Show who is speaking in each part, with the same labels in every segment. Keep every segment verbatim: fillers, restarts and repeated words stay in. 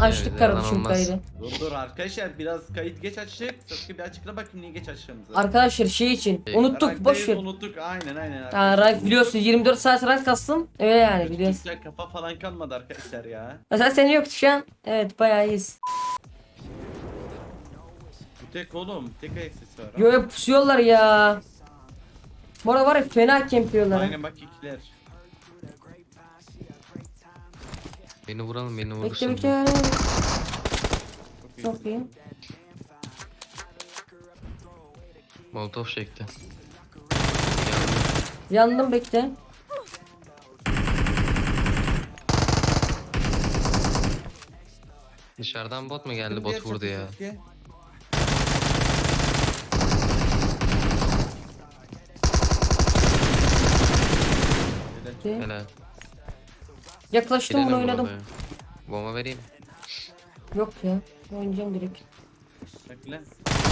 Speaker 1: Açtık kardeşim
Speaker 2: olmaz.
Speaker 1: kaydı.
Speaker 3: Dur dur arkadaşlar biraz kayıt geç açtık. Sasuke bir açıkla bakayım niye geç açtığımızı.
Speaker 1: Arkadaşlar şey için
Speaker 2: Şey,
Speaker 1: unuttuk boş
Speaker 3: Ranktayız,
Speaker 1: ver.
Speaker 3: Unuttuk aynen aynen.
Speaker 1: Ha,
Speaker 3: arkadaşlar.
Speaker 1: rank biliyorsun yirmi dört saat rank kastım. Öyle yani biliyorsun.
Speaker 3: Küçükler kafa falan kalmadı arkadaşlar ya.
Speaker 1: Mesela senin yoktu şu an. Evet bayağı iyiyiz.
Speaker 3: Bu tek oğlum tek ayak sesi var. ha.
Speaker 1: Yo yo pusuyorlar ya. Bu arada var ya fena kempiyorlar. ha.
Speaker 3: Aynen bak ikiler.
Speaker 2: Beni vuralım beni
Speaker 1: Bekle
Speaker 2: vurursun.
Speaker 1: bekle.
Speaker 3: Çok iyi.
Speaker 1: Çok iyi.
Speaker 2: Molotov çekti.
Speaker 1: Yandım bekle.
Speaker 2: Dışarıdan bot mu geldi
Speaker 3: Şimdi
Speaker 2: bot
Speaker 3: diğer
Speaker 2: vurdu ya.
Speaker 3: Sasuke.
Speaker 1: Bekle.
Speaker 2: Helal.
Speaker 1: Yaklaştım bunu
Speaker 2: Gidelim
Speaker 1: oynadım.
Speaker 2: bombayı. Bomba vereyim.
Speaker 1: Yok ya. Oynayacağım direkt.
Speaker 3: Bekle.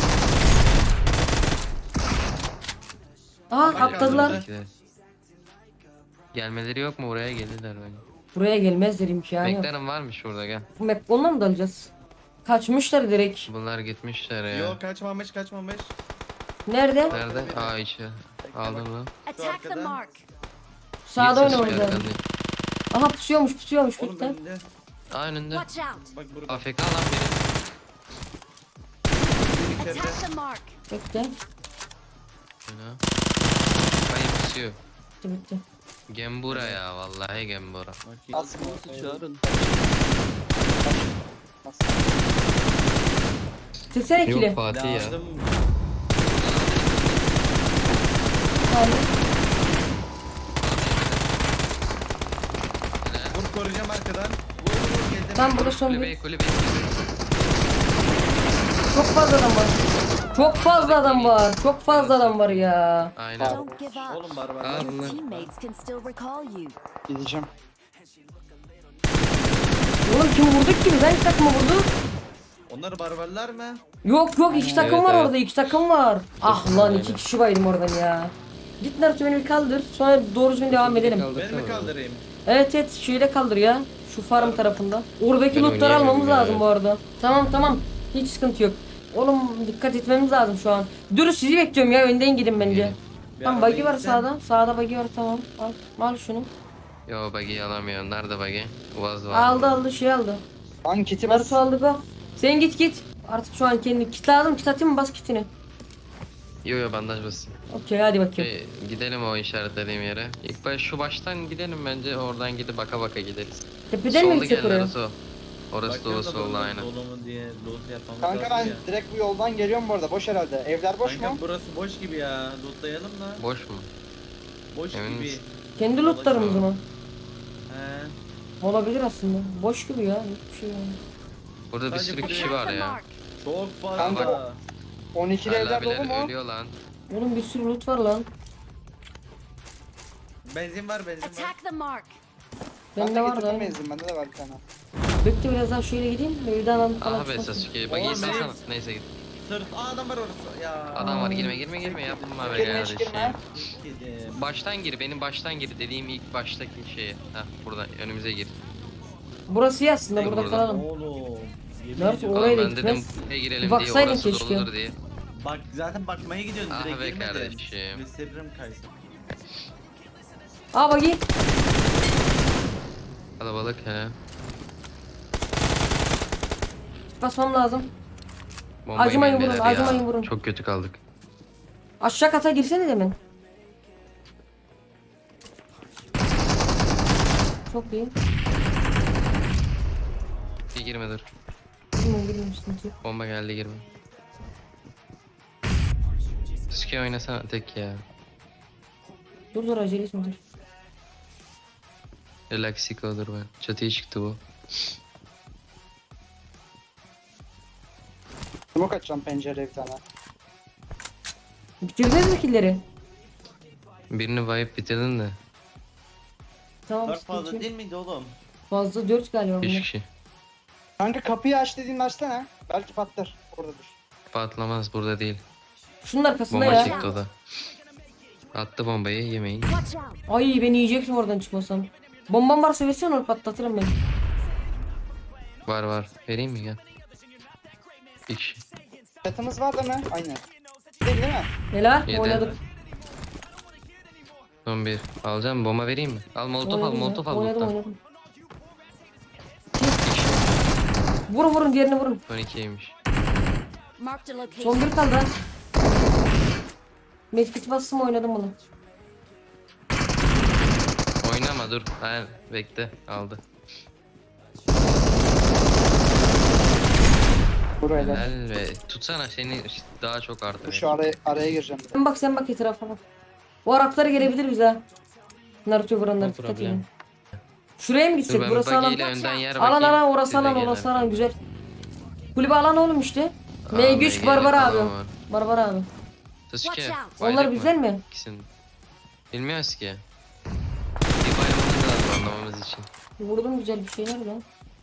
Speaker 1: Aa
Speaker 3: Bak,
Speaker 1: atladılar.
Speaker 3: atladı.
Speaker 2: Gelmeleri yok mu buraya gelirler bence.
Speaker 1: Buraya gelmezler imkanı yok.
Speaker 2: Beklerim varmış şurada gel.
Speaker 1: Bu map onunla mı dalacağız? Kaçmışlar direkt.
Speaker 2: Bunlar gitmişler ya.
Speaker 3: Yok kaçmamış kaçmamış.
Speaker 1: Nerede?
Speaker 2: Nerede? Aa içi. Aldın mı?
Speaker 4: Attack the
Speaker 3: arkada.
Speaker 4: mark.
Speaker 1: Sağda
Speaker 2: Bir ses
Speaker 1: oynamamız lazım.
Speaker 2: arkada.
Speaker 1: Aha pusuyormuş pusuyormuş
Speaker 3: Oğlum
Speaker 1: bekle.
Speaker 3: ben de.
Speaker 2: Aa önünde.
Speaker 4: Watch out.
Speaker 3: Bak burada.
Speaker 2: A F K lan biri.
Speaker 3: İçeride.
Speaker 4: Attack the mark.
Speaker 1: Bekle.
Speaker 2: Şuna. Hayır pusuyor.
Speaker 1: Bitti bitti.
Speaker 2: Gembura ya vallahi Gembura.
Speaker 3: Bakayım.
Speaker 5: Asması çağırın.
Speaker 1: Çeksene ikili.
Speaker 2: Yok Fatih ya.
Speaker 3: Lazım.
Speaker 1: Tamam.
Speaker 3: Vur koruyacağım arkadan. Vur vur geldim.
Speaker 1: Tam burada son bir.
Speaker 2: Kulübeyi kulübeyi.
Speaker 1: Çok fazla adam var. Çok fazla adam var. Çok fazla adam var ya.
Speaker 2: Aynen.
Speaker 4: Don't give up.
Speaker 3: Oğlum barbar.
Speaker 2: Aa,
Speaker 4: Your
Speaker 2: bunlar-
Speaker 4: teammates can still recall you.
Speaker 5: Gideceğim.
Speaker 1: Oğlum kim vurdu ki? Ben iki takımı vurdu.
Speaker 3: Onlar barbarlar mı?
Speaker 1: Yok yok iki takım
Speaker 2: Evet,
Speaker 1: var
Speaker 2: evet.
Speaker 1: orada iki takım var. Ah lan
Speaker 2: Aynen.
Speaker 1: iki kişi baydım oradan ya. Git Naruto beni bir kaldır. Sonra doğru düzgün devam edelim.
Speaker 3: Ben mi kaldırayım?
Speaker 1: Evet evet şeyde kaldır ya. Şu farm tarafında. Oradaki
Speaker 2: Ben
Speaker 1: lootları almamız
Speaker 2: oynayamıyorum ya.
Speaker 1: lazım bu arada. Tamam tamam. Hiç sıkıntı yok. Oğlum dikkat etmemiz lazım şu an. Dur sizi bekliyorum ya önden gidin bence.
Speaker 2: Gelin.
Speaker 3: Bir
Speaker 1: Tamam
Speaker 3: arabaya
Speaker 1: buggy var
Speaker 3: gitsen.
Speaker 1: sağda. Sağda buggy var tamam. Al, al şunu.
Speaker 2: Yo buggy'i alamıyor. Nerede buggy? Uvaz var.
Speaker 1: Aldı aldı şey aldı.
Speaker 5: Lan kiti bas.
Speaker 1: Naruto aldı go. Sen git git. Artık şu an kendi kit lazım. Kit atayım mı bas kitini.
Speaker 2: Yo yo bandaj basın.
Speaker 1: Okey hadi bakayım.
Speaker 2: Şey, gidelim o işaretlediğim yere. İlk baş şu baştan gidelim bence oradan gidip baka baka gideriz.
Speaker 1: Tepeden mi
Speaker 2: Solda
Speaker 1: gitsek
Speaker 2: gel
Speaker 1: oraya?
Speaker 2: Naruto. Orası dolu
Speaker 3: Bakıyorum da
Speaker 2: solda
Speaker 3: burada
Speaker 2: aynen.
Speaker 3: Dolu mu diye loot yapmamız
Speaker 5: Kanka ben
Speaker 3: lazım ya.
Speaker 5: direkt bu yoldan geliyorum bu arada. Boş herhalde. Evler boş
Speaker 3: Kanka
Speaker 5: mu?
Speaker 3: burası boş gibi ya. Lootlayalım da.
Speaker 2: Boş mu?
Speaker 3: Boş
Speaker 2: Emin
Speaker 3: gibi.
Speaker 2: misin?
Speaker 1: Kendi lootlarımız mı?
Speaker 3: He.
Speaker 1: Olabilir aslında. Boş gibi ya. Hiçbir şey yani.
Speaker 2: Burada bir
Speaker 3: Sadece
Speaker 2: sürü
Speaker 3: buraya-
Speaker 2: kişi
Speaker 4: Attack
Speaker 2: var
Speaker 4: the
Speaker 2: ya.
Speaker 4: mark.
Speaker 3: Çok fazla.
Speaker 5: Kanka. on ikili
Speaker 2: Hala
Speaker 5: evler dolu
Speaker 2: abiler
Speaker 5: mu?
Speaker 2: ölüyor lan.
Speaker 1: Oğlum bir sürü loot var lan.
Speaker 3: Benzin var benzin var.
Speaker 4: Attack the mark.
Speaker 1: Bende
Speaker 5: Ben
Speaker 1: var
Speaker 5: de
Speaker 1: da.
Speaker 5: getirdim benzin. Bende de var bir tane.
Speaker 1: Bekle biraz daha şöyle gideyim. Evden alıp falan
Speaker 2: Ah be
Speaker 1: çıkmasın.
Speaker 2: Sasuke buggy'i
Speaker 3: Oğlum,
Speaker 2: salsana.
Speaker 3: benim-
Speaker 2: Neyse git.
Speaker 3: Sırt. Aa adam var orası. Ya.
Speaker 2: Adam var girme girme girme yapma be
Speaker 5: Girme, hiç girme.
Speaker 2: kardeşim.
Speaker 3: Gidelim.
Speaker 2: Baştan gir benim baştan gir dediğim ilk baştaki şeye. Heh burada önümüze gir.
Speaker 1: Burası iyi aslında burada
Speaker 2: Burada.
Speaker 1: kalalım.
Speaker 3: Oğlum. yemin
Speaker 1: Nerede
Speaker 3: ediyorum.
Speaker 1: o? Oraya
Speaker 2: Oğlum
Speaker 1: da
Speaker 2: ben dedim
Speaker 1: gitmez.
Speaker 2: buraya girelim
Speaker 1: Bir
Speaker 2: diye
Speaker 1: baksaydın
Speaker 2: orası
Speaker 1: keşke.
Speaker 2: doludur diye.
Speaker 3: Bak zaten bakmaya gidiyordun
Speaker 2: Ah
Speaker 3: direkt
Speaker 2: be
Speaker 3: girmedin.
Speaker 2: kardeşim.
Speaker 3: Bir sebrim kaysın.
Speaker 1: Aa buggy.
Speaker 2: Kalabalık he.
Speaker 1: Basmam lazım.
Speaker 2: Bombayı
Speaker 1: Acımayın
Speaker 2: indiler
Speaker 1: vurun,
Speaker 2: ya.
Speaker 1: acımayın vurun.
Speaker 2: Çok kötü kaldık.
Speaker 1: Aşağı kata girsene demin. Çok iyi.
Speaker 2: Bir girme dur.
Speaker 1: Bilmiyorum bilmiyorum sıkıntı yok.
Speaker 2: Bomba geldi girme. Sasuke oynasana tek ya.
Speaker 1: Dur dur acele etme dur.
Speaker 2: Relaxik olur ben. Çatıya çıktı bu.
Speaker 5: Smoke açacağım pencereye bir tane.
Speaker 1: Bitirdiniz mi killleri?
Speaker 2: Birini wipe bitirdin de.
Speaker 1: Tamam
Speaker 3: Dört
Speaker 1: sıkıntı
Speaker 3: fazla
Speaker 1: yok.
Speaker 3: değil miydi oğlum?
Speaker 1: Fazla dört galiba
Speaker 2: Üç
Speaker 1: bunlar.
Speaker 2: kişi.
Speaker 5: Kanka kapıyı aç dediğinde açsana. Belki patlar. Oradadır.
Speaker 2: Patlamaz burada değil.
Speaker 1: Şunun arkasında
Speaker 2: Bomba
Speaker 1: ya.
Speaker 2: çıktı o da. Attı bombayı yemeyin.
Speaker 4: Watch out.
Speaker 1: Ay beni yiyecektim oradan çıkmasam. Bombam varsa versene onu patlatırım ben.
Speaker 2: Var var. Vereyim mi gel? Bir kişi.
Speaker 5: Çatımız var değil mi? Aynen. Değil, değil mi?
Speaker 1: Helal
Speaker 2: Yedi.
Speaker 1: oynadık.
Speaker 2: Son bir. Alacağım bomba vereyim mi? Al molotof al
Speaker 1: Oynadım ya,
Speaker 2: molotof al.
Speaker 1: Oynadım
Speaker 2: loot'tan.
Speaker 1: oynadım. Vurun vurun diğerini vurun.
Speaker 2: on ikiymiş.
Speaker 4: Marked a location.
Speaker 1: Son bir kaldı. ha. Medkit bastım oynadım bunu.
Speaker 2: Oynama dur. Hayır bekle. Aldı.
Speaker 5: Buraya da.
Speaker 2: Helal ve tutsana seni daha çok
Speaker 5: Dur
Speaker 2: artır.
Speaker 5: şu araya, araya gireceğim.
Speaker 1: Sen bak sen bak etrafa bak. Bu Arapları gelebilir bize. ha. Naruto vuranlar
Speaker 2: No
Speaker 1: dikkat
Speaker 2: problem.
Speaker 1: edin. Şuraya mı
Speaker 2: Dur
Speaker 1: gitsek?
Speaker 2: ben
Speaker 1: Burası alan.
Speaker 2: bagiyle önden yer
Speaker 1: Alan
Speaker 2: bakayım.
Speaker 1: alan orası
Speaker 2: Size
Speaker 1: alan
Speaker 2: gelen.
Speaker 1: orası alan güzel. Kulübe alan oğlum işte.
Speaker 2: Aa,
Speaker 1: M güç
Speaker 2: M G
Speaker 1: Barbar abi.
Speaker 2: falan var.
Speaker 1: Barbar abi.
Speaker 2: Sasuke.
Speaker 4: Watch out.
Speaker 1: Onlar
Speaker 2: bayrak
Speaker 1: güzel
Speaker 2: mı?
Speaker 1: mi?
Speaker 2: İkisini. Bilmiyoruz ki. Bir bayramımız lazım anlamamız için.
Speaker 1: Vurdum güzel bir şeyler de.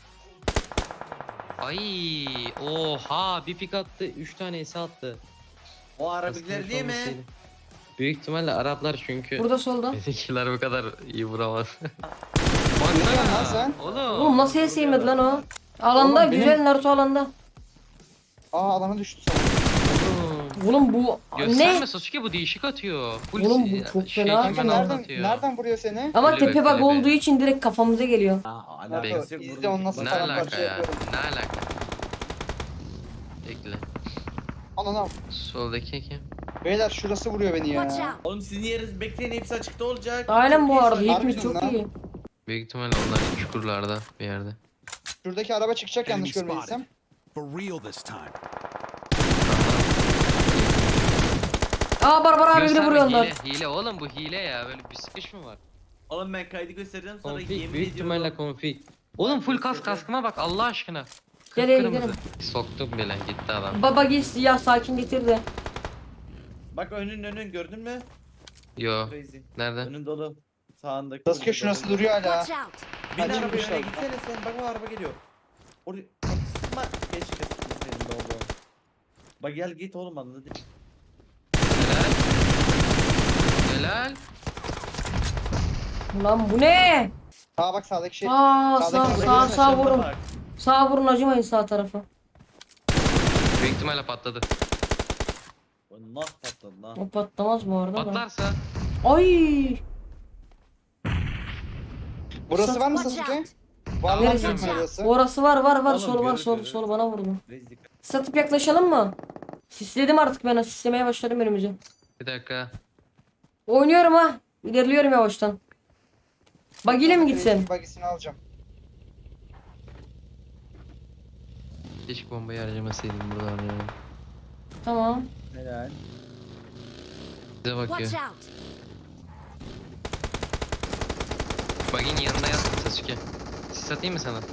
Speaker 2: Ay, oha bir pik attı, üç tane ese attı.
Speaker 3: O Arabikler değil mi?
Speaker 2: Olmasıyla. Büyük ihtimalle Araplar çünkü.
Speaker 1: Burada solda.
Speaker 2: Bizimkiler bu kadar iyi vuramaz.
Speaker 5: Ne diyorsun lan
Speaker 2: Baksana.
Speaker 5: sen?
Speaker 2: Oğlum.
Speaker 1: Oğlum nasıl yeseyemedi lan o? Alanda
Speaker 5: Oğlum,
Speaker 1: güzel
Speaker 5: benim-
Speaker 1: Naruto alanda.
Speaker 5: Aa alana düştü sana.
Speaker 2: Oğlum.
Speaker 1: Oğlum bu
Speaker 2: Gösterme
Speaker 1: ne?
Speaker 2: Sasuke bu değişik atıyor. Full
Speaker 1: Oğlum bu
Speaker 2: si-
Speaker 1: çok
Speaker 2: şey,
Speaker 1: fena.
Speaker 2: kimin
Speaker 5: Kanka
Speaker 1: Hemen
Speaker 5: nereden,
Speaker 2: atıyor?
Speaker 5: nereden vuruyor seni?
Speaker 1: Ama
Speaker 2: Kulübe,
Speaker 1: tepe bak
Speaker 2: kulübe.
Speaker 1: olduğu için direkt kafamıza geliyor.
Speaker 3: Aa,
Speaker 5: Naruto,
Speaker 3: alakası yok.
Speaker 5: izle
Speaker 3: vurdum.
Speaker 5: onu nasıl
Speaker 2: Ne
Speaker 5: falan
Speaker 2: alaka
Speaker 5: parça
Speaker 2: ya?
Speaker 5: yapıyorum.
Speaker 2: Ne alaka? Bekle.
Speaker 5: Ananı.
Speaker 2: Soldaki kim?
Speaker 5: Beyler şurası vuruyor beni
Speaker 4: Watch
Speaker 5: ya.
Speaker 4: out.
Speaker 3: Oğlum sizin yeriniz bekleyin hepsi açıkta olacak.
Speaker 1: Aynen
Speaker 3: Çok
Speaker 1: bu
Speaker 3: iyi
Speaker 1: arada
Speaker 3: şu an.
Speaker 1: hepimiz
Speaker 5: Harbiden
Speaker 1: çok
Speaker 5: lan.
Speaker 1: iyi.
Speaker 2: Büyük ihtimalle onlar çukurlarda bir yerde.
Speaker 5: Şuradaki araba çıkacak yanlış
Speaker 6: Enemy
Speaker 5: görmediysem.
Speaker 6: spotted. For real this time.
Speaker 1: Aa Barbar abi bile
Speaker 2: Gösterme,
Speaker 1: vuruyorlar.
Speaker 2: hile, hile oğlum bu hile ya böyle bir sıkış mı var?
Speaker 3: Oğlum ben kaydı göstereceğim sonra
Speaker 2: Konfig
Speaker 3: yemin
Speaker 2: büyük
Speaker 3: ediyorum.
Speaker 2: ihtimalle konfig. Oğlum full kask kaskıma bak Allah aşkına.
Speaker 1: Gel, gel,
Speaker 2: Kıpkırmızı. Soktum bile gitti adam.
Speaker 1: Baba git ya sakin getirdi.
Speaker 3: Bak önün önün gördün mü?
Speaker 2: Yo
Speaker 3: Crazy.
Speaker 2: nerede?
Speaker 3: Önün dolu. Sağındaki.
Speaker 5: Sasuke şurası duruyor hala.
Speaker 4: Watch out.
Speaker 3: Bin
Speaker 5: Hadi
Speaker 3: arabaya
Speaker 5: yürüyüş
Speaker 3: öne
Speaker 5: al.
Speaker 3: gitsene sen. Bak o araba geliyor. Oraya sıkma. Keşke sıkmasaydın be oğlum. Bak gel git oğlum anladın değil.
Speaker 2: Helal. Helal.
Speaker 1: Lan bu ne?
Speaker 5: Aa bak sağdaki şey.
Speaker 1: Aa sağ
Speaker 5: Sağdaki
Speaker 1: sağ
Speaker 5: araba
Speaker 1: sağ
Speaker 5: geliyor,
Speaker 1: vurun.
Speaker 3: Bak.
Speaker 1: Sağ vurun acımayın sağ tarafa.
Speaker 2: Büyük ihtimalle patladı.
Speaker 3: O nasıl patladı lan?
Speaker 1: O patlamaz bu arada da.
Speaker 2: Patlarsa
Speaker 1: Ay.
Speaker 5: Burası var mı
Speaker 4: Watch
Speaker 5: Sasuke?
Speaker 4: out.
Speaker 5: Var lan
Speaker 1: Neresi?
Speaker 5: büyük burası.
Speaker 1: Orası var var var
Speaker 3: Oğlum,
Speaker 1: sol var
Speaker 3: görür,
Speaker 1: sol
Speaker 3: görür.
Speaker 1: sol bana vurdu.
Speaker 3: Rezillik.
Speaker 1: Satıp yaklaşalım mı? Sisledim artık ben sislemeye başladım önümüzü.
Speaker 2: bir dakika.
Speaker 1: Oynuyorum ha. İlerliyorum yavaştan. Bagiyle mi gitsem?
Speaker 5: Bagisini alacağım.
Speaker 2: Keşke bombayı harcamasaydım burada harcayalım.
Speaker 1: Tamam.
Speaker 3: Helal.
Speaker 2: Bize bakıyor.
Speaker 4: Watch out.
Speaker 2: Bagin yanında yat Sasuke. Sis atayım mı sana?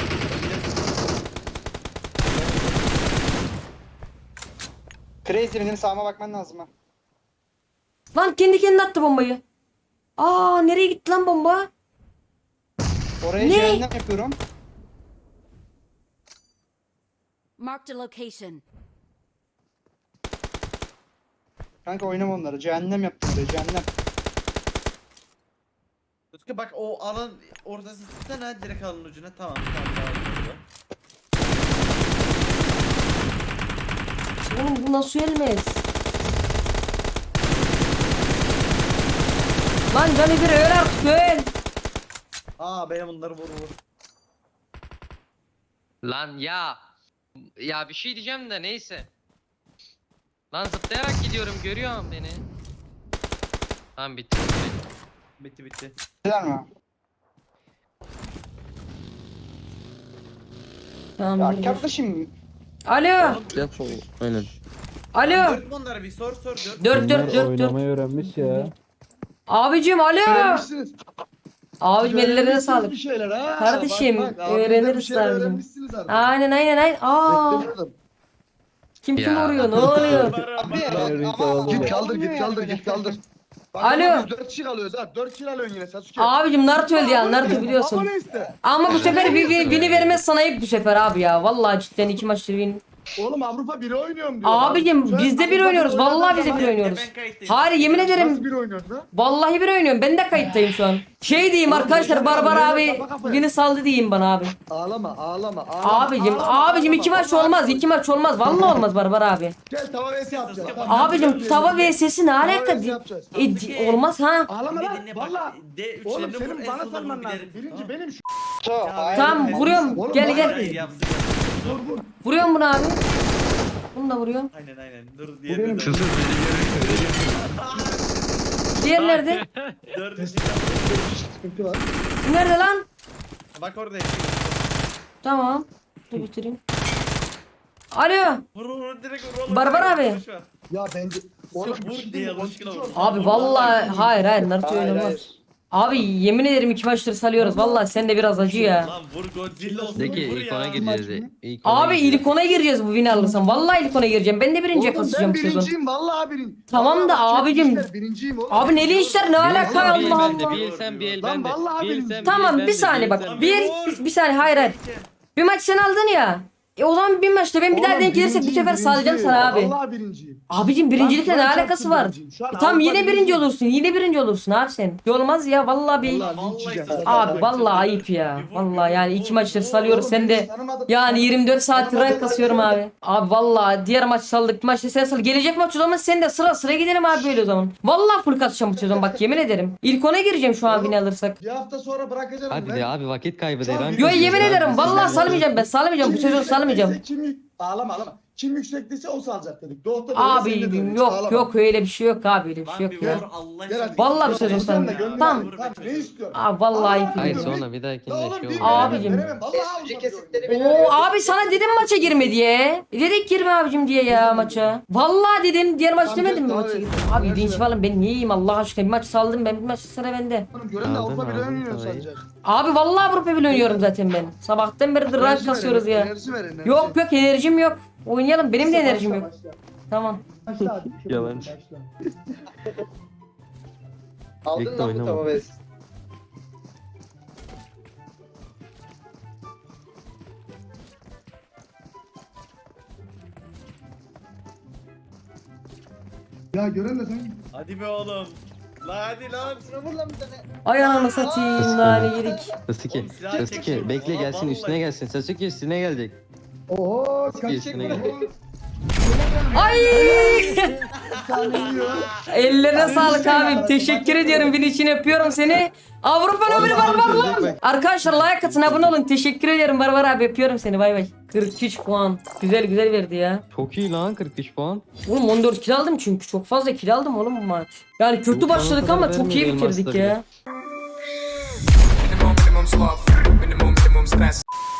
Speaker 5: Crazy benim sağıma bakman lazım ha.
Speaker 1: Lan kendi kendine attı bombayı. Aa nereye gitti lan bomba?
Speaker 5: Oraya
Speaker 1: Ne?
Speaker 5: cehennem yapıyorum.
Speaker 4: Marked a location.
Speaker 5: Kanka oynama onları. Cehennem yaptım oraya cehennem.
Speaker 3: Özgür bak o alan ortası sıksana direkt alanın ucuna. Tamam tamam tamam.
Speaker 1: Oğlum bu nasıl ölmez? Lan canı bir öl artık öl.
Speaker 3: Aa benim bunları vur vur.
Speaker 2: Lan ya. Ya bir şey diyeceğim de neyse. Lan zıplayarak gidiyorum görüyor musun beni? Tamam bitti.
Speaker 3: Bitti bitti.
Speaker 5: Güzel mi?
Speaker 1: Tamam
Speaker 5: Ya
Speaker 1: dur, dur.
Speaker 5: kardeşim.
Speaker 1: Alo.
Speaker 3: Oğlum,
Speaker 2: Aynen.
Speaker 1: Alo.
Speaker 3: Dört mü onları bir sor sor dört.
Speaker 1: Dört dört
Speaker 7: Bunlar
Speaker 1: dört dört.
Speaker 7: oynamayı öğrenmiş ya.
Speaker 1: Abicim alo.
Speaker 8: Öğrenmişsiniz.
Speaker 1: Abicim ellerine
Speaker 8: Öğrenmişsiniz
Speaker 1: sağlık.
Speaker 8: Bir şeyler ha.
Speaker 1: Kardeşim,
Speaker 8: Bak, bak, abinizden
Speaker 1: öğreniriz
Speaker 8: bir şeyler
Speaker 1: sadece.
Speaker 8: öğrenmişsiniz artık.
Speaker 1: Aynen aynen aynen. Aa.
Speaker 8: Beklemiyordum.
Speaker 1: Kim kim
Speaker 2: Ya.
Speaker 1: vuruyor? Ne oluyor?
Speaker 5: Abi
Speaker 7: Öğrenmiş
Speaker 5: ama
Speaker 7: olalım.
Speaker 8: Git
Speaker 7: Olmuyor
Speaker 8: kaldır
Speaker 5: olmuyor
Speaker 8: git
Speaker 5: yani
Speaker 8: kaldır
Speaker 5: böyle.
Speaker 8: git kaldır. Bak,
Speaker 1: Alo.
Speaker 8: ama biz dört kişi kalıyoruz ha. dört kişi alıyorsun yine Sasuke.
Speaker 1: Abicim Naruto öldü ya. Naruto
Speaker 8: Abone
Speaker 1: biliyorsun.
Speaker 8: iste.
Speaker 1: Ama bu sefer bir, bir, bini vermez sana ayıp bu sefer abi ya. Vallahi cidden iki maçtır win.
Speaker 8: Oğlum Avrupa biri oynuyorum diyor.
Speaker 1: Abicim
Speaker 8: Sen
Speaker 1: biz de bir
Speaker 8: Avrupa
Speaker 1: oynuyoruz.
Speaker 8: biri oynadın
Speaker 1: Vallahi biz de
Speaker 8: zaman-
Speaker 1: bir oynuyoruz.
Speaker 3: Ben kayıttayım.
Speaker 1: Hayır yemin
Speaker 8: Nasıl
Speaker 1: ederim.
Speaker 8: bir oynuyorsun lan?
Speaker 1: Vallahi bir oynuyorum. Ben de kayıttayım şu an. Şey diyeyim
Speaker 8: Oğlum,
Speaker 1: arkadaşlar,
Speaker 8: yaşa
Speaker 1: Barbar
Speaker 8: lan,
Speaker 1: abi
Speaker 8: yaşa, kafa kafaya.
Speaker 1: beni saldı diyeyim bana abi.
Speaker 8: Ağlama ağlama ağlama.
Speaker 1: Abicim
Speaker 8: ağlama,
Speaker 1: abicim
Speaker 8: ağlama.
Speaker 1: iki maç
Speaker 8: Vallahi
Speaker 1: olmaz.
Speaker 8: ağlama.
Speaker 1: iki maç olmaz. Vallahi olmaz Barbar abi.
Speaker 8: Gel tava vs yapacağız. Tamam,
Speaker 1: Abicim
Speaker 8: gel,
Speaker 1: tava
Speaker 8: gel.
Speaker 1: vs'si ne
Speaker 8: Tava
Speaker 1: alaka?
Speaker 8: vs yapacağız.
Speaker 1: E, di- olmaz ha.
Speaker 8: Ağlama
Speaker 3: Bir
Speaker 8: lan.
Speaker 3: dinle bak.
Speaker 8: Valla.
Speaker 3: D üç
Speaker 8: Oğlum
Speaker 3: lerini vur,
Speaker 8: senin
Speaker 3: en
Speaker 8: bana
Speaker 3: sonunda
Speaker 8: salman
Speaker 3: vur,
Speaker 8: lazım.
Speaker 3: giderim.
Speaker 8: Birinci
Speaker 3: Tamam.
Speaker 8: benim şu.
Speaker 5: So, hayır,
Speaker 1: Tamam
Speaker 5: hayır.
Speaker 1: vuruyorum.
Speaker 8: Oğlum,
Speaker 1: Gel
Speaker 8: bana
Speaker 1: gel.
Speaker 3: Hayır, yaptık.
Speaker 8: Vur vur.
Speaker 1: Vuruyorum bunu abi. Bunu da vuruyorum.
Speaker 3: Aynen aynen. Dur
Speaker 8: Bu
Speaker 3: diye.
Speaker 8: benim.
Speaker 1: Diğer nerede?
Speaker 3: Dördüncü.
Speaker 8: Sıkıntı var.
Speaker 1: Nerede lan?
Speaker 3: Bak orada yaşıyor.
Speaker 1: Tamam. Dur bitireyim. Alo.
Speaker 3: Vur vur direkt vur oğlum.
Speaker 1: Barbar
Speaker 3: direkt
Speaker 1: abi.
Speaker 3: konuşma.
Speaker 8: Ya bence. Oğlum
Speaker 3: Vur
Speaker 8: bir şey
Speaker 3: diye
Speaker 8: diyeyim mi?
Speaker 3: alışkın
Speaker 8: Konuşuyor.
Speaker 3: olsun.
Speaker 1: Abi vallahi hayır hayır Naruto
Speaker 5: Hayır,
Speaker 1: oynamaz.
Speaker 5: hayır.
Speaker 1: Abi yemin ederim iki maçtır salıyoruz. Vallahi sen de biraz acı ya.
Speaker 3: Lan vur Godzilla olsun.
Speaker 6: De ki
Speaker 3: vur
Speaker 6: ilk
Speaker 3: ya.
Speaker 6: ona gireceğiz. İlk ona
Speaker 1: Abi
Speaker 6: gireceğiz.
Speaker 1: ilk ona gireceğiz bu win alırsam. Vallahi ilk ona gireceğim. Ben de birinciye
Speaker 8: Oğlum
Speaker 1: kasacağım
Speaker 8: ben
Speaker 1: bu sezon.
Speaker 8: birinciyim vallahi birinci.
Speaker 1: Tamam da
Speaker 8: Vallahi
Speaker 1: abicim.
Speaker 8: çekmişler, Birinciyim oğlum.
Speaker 1: Abi neli işler ne alaka
Speaker 6: Bir el
Speaker 1: Allah
Speaker 6: bende,
Speaker 1: Allah.
Speaker 6: bir el sen, bir el
Speaker 8: Lan
Speaker 6: bende.
Speaker 8: vallahi
Speaker 6: Bir el
Speaker 8: birinci.
Speaker 6: sen, bir el
Speaker 1: Tamam
Speaker 6: bende,
Speaker 1: bir saniye
Speaker 6: el
Speaker 1: bak.
Speaker 6: sen.
Speaker 1: Bir, bir saniye hayır hayır. Bir maç sen aldın ya. E o zaman bir maçta ben bir daha
Speaker 8: Oğlum,
Speaker 1: denk gelirsek bu
Speaker 8: birinciyim,
Speaker 1: sefer salacağım
Speaker 8: birinciyim.
Speaker 1: sana abi.
Speaker 8: Vallahi birinciyim.
Speaker 1: Abicim birincilikle
Speaker 8: Lan
Speaker 1: ne
Speaker 8: Kur'an
Speaker 1: alakası
Speaker 8: çarpsın
Speaker 1: var?
Speaker 8: birinciyim. Şu an
Speaker 1: E tamam
Speaker 8: Avrupa
Speaker 1: yine birinci
Speaker 8: birinciyim.
Speaker 1: olursun. Yine birinci olursun abi sen. E olmaz ya vallahi bir.
Speaker 8: Vallahi
Speaker 3: Vallahi
Speaker 8: linçleyeceğim.
Speaker 3: sen-
Speaker 1: Abi vallahi ayıp ya. Vallahi yani iki maçtır salıyoruz sen de. Yani yirmi dört saat rank kasıyorum abi. Abi vallahi diğer maç saldık. Bir maçta sen sal. Gelecek maç o zaman sen de sıra sıra gidelim abi böyle o zaman. Vallahi full kasacağım bu sezon bak yemin ederim. İlk ona gireceğim şu an win alırsak.
Speaker 8: Bir hafta sonra bırakacağım.
Speaker 6: Hadi
Speaker 8: ben.
Speaker 6: de abi vakit kaybı de.
Speaker 8: Yo,
Speaker 6: rank
Speaker 1: Yo
Speaker 6: kasıyoruz
Speaker 1: yemin
Speaker 6: abi.
Speaker 1: ederim vallahi salmayacağım ben salmayacağım bu
Speaker 8: Kim
Speaker 1: sezon
Speaker 8: yüksekteyse
Speaker 1: salmayacağım.
Speaker 8: Kim yük... Ağlama ağlama. Kim yüksekteyse o salacak dedik. Doğukta
Speaker 1: Abi yok yok öyle bir şey yok abi öyle bir
Speaker 3: Lan
Speaker 1: şey
Speaker 3: bir
Speaker 1: yok ya.
Speaker 3: vur Allah
Speaker 8: Gel hadi.
Speaker 3: için.
Speaker 1: Vallahi bir
Speaker 3: Vur
Speaker 1: sezon
Speaker 3: ya.
Speaker 1: sen-
Speaker 8: Tamam.
Speaker 1: Tamam.
Speaker 8: Tamam ne istiyorsun?
Speaker 1: Abi vallahi ayıp
Speaker 6: Hayır
Speaker 1: ya.
Speaker 6: sonra bir dahakinde
Speaker 8: Ya
Speaker 6: şey
Speaker 8: oğlum bir
Speaker 6: olmaz.
Speaker 1: Abicim.
Speaker 8: veremem. Vallahi
Speaker 5: Eski
Speaker 8: alacağım
Speaker 5: kesitleri
Speaker 8: diyorum.
Speaker 5: beni
Speaker 1: Oo abi sana dedim maça girme diye. E dedik girme abicim diye ya maça. Vallahi dedim diğer maç
Speaker 8: Tamam,
Speaker 1: demedim mi
Speaker 8: tamam,
Speaker 1: maça
Speaker 8: evet.
Speaker 1: girme. Abi
Speaker 8: Evet,
Speaker 1: dinç
Speaker 8: evet.
Speaker 1: falan ben niye yiyeyim Allah aşkına bir maç saldım ben bir maç sıra bende.
Speaker 8: Oğlum gören de
Speaker 6: Aldın,
Speaker 8: Avrupa bile
Speaker 6: aldın,
Speaker 8: oynuyor
Speaker 6: parayı.
Speaker 8: sadece.
Speaker 1: Abi vallahi Avrupa bile oynuyorum zaten ben. Sabahtan beridir rank
Speaker 8: Enerji ver,
Speaker 1: kasıyoruz ya.
Speaker 8: enerji ver, enerji.
Speaker 1: Yok yok enerjim yok. Oynayalım benim de
Speaker 8: Başla,
Speaker 1: enerjim yok.
Speaker 8: başla.
Speaker 1: Tamam.
Speaker 8: Başla hadi. Şöyle
Speaker 6: Yalancı.
Speaker 8: başla.
Speaker 5: Aldın
Speaker 6: Bekle,
Speaker 5: lan bu
Speaker 6: oynama.
Speaker 5: tava vs.
Speaker 8: Ya gören de sen.
Speaker 3: Hadi be oğlum. La hadi lan.
Speaker 5: Vur lan bir tane.
Speaker 1: Ay ananı satayım nane yedik.
Speaker 6: Sasuke,
Speaker 3: Oğlum silah
Speaker 6: Sasuke
Speaker 3: çekiyorum.
Speaker 6: bekle
Speaker 3: Aa,
Speaker 6: gelsin
Speaker 3: vallahi.
Speaker 6: üstüne gelsin. Sasuke üstüne gelecek.
Speaker 8: Oho
Speaker 6: Bir
Speaker 8: kaç
Speaker 6: üstüne gel.
Speaker 1: Ay
Speaker 8: tane yiyor.
Speaker 1: ellerine sağlık abim. Teşekkür ediyorum. Bin için yapıyorum seni. Avrupa nobili barbar lan. Arkadaşlar like atın abone olun. Teşekkür ederim Barbar abi. Yapıyorum seni bay bay. kırk üç puan. Güzel güzel verdi ya.
Speaker 6: Çok iyi lan kırk üç puan.
Speaker 1: Oğlum on dört kill aldım çünkü. Çok fazla kill aldım oğlum bu maç. Yani kötü
Speaker 6: Bu
Speaker 1: başladık
Speaker 6: kadar
Speaker 1: ama çok iyi
Speaker 6: vermedi
Speaker 1: bitirdik
Speaker 6: elmasları.
Speaker 1: ya.
Speaker 7: Minimum, minimum sloth. Minimum, minimum stress.